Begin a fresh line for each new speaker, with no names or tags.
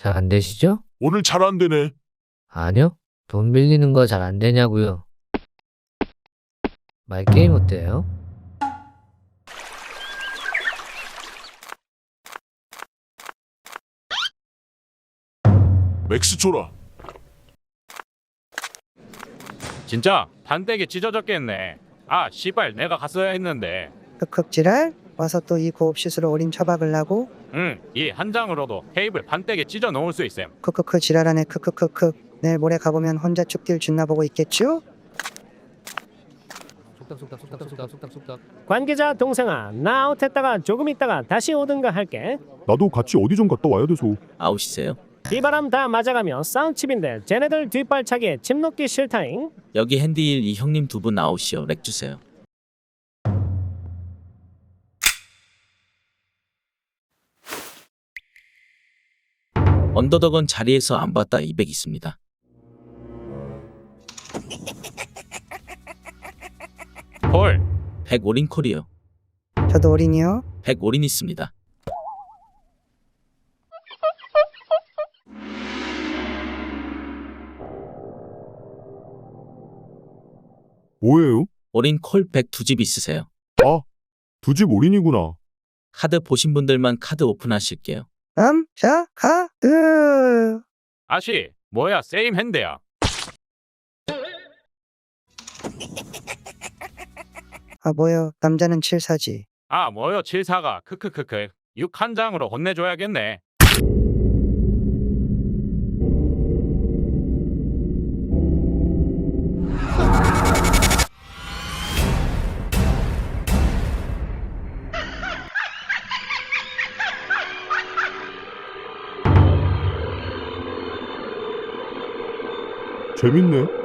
잘 안 되시죠?
오늘 잘 안 되네.
아니요. 돈 빌리는 거 잘 안 되냐고요. 말게임 어때요?
맥스 줘라.
진짜 판때기 찢어졌겠네. 아 씨발 내가 갔어야 했는데.
흑흑 지랄? 와서 또 이 고옵시스로 어림 처박으려고?
이 한 장으로도 테이블 판때기 찢어 놓을 수 있음.
크크크 지랄하네 크크크크. 내일 모레 가보면 혼자 쭉딜 준나 보고 있겠쥬?
속닥속닥.
관계자 동생아, 나 아웃했다가 조금 있다가 다시 오든가 할게.
나도 같이 어디 좀 갔다 와야 돼서.
아웃이세요?
비바람 다 맞아가며 싸움칩인데 쟤네들 뒷발차기에 침 놓기 싫다잉.
여기 핸디일 이 형님 두 분 아웃이요. 렉 주세요. 언더덕은 자리에서 안 봤다 200 있습니다.
콜.
100 올인 콜이요.
저도 어린이요?
100 올인 있습니다.
뭐예요?
올인 콜 100 두 집 있으세요.
아, 두 집 올인이구나.
카드 보신 분들만 카드 오픈하실게요.
자, 가드.
아씨 뭐야 세임 핸드야.
아 뭐요? 남자는 7사지.
아 뭐요 74가 크크크크 6 한 장으로 혼내줘야겠네.
재밌네.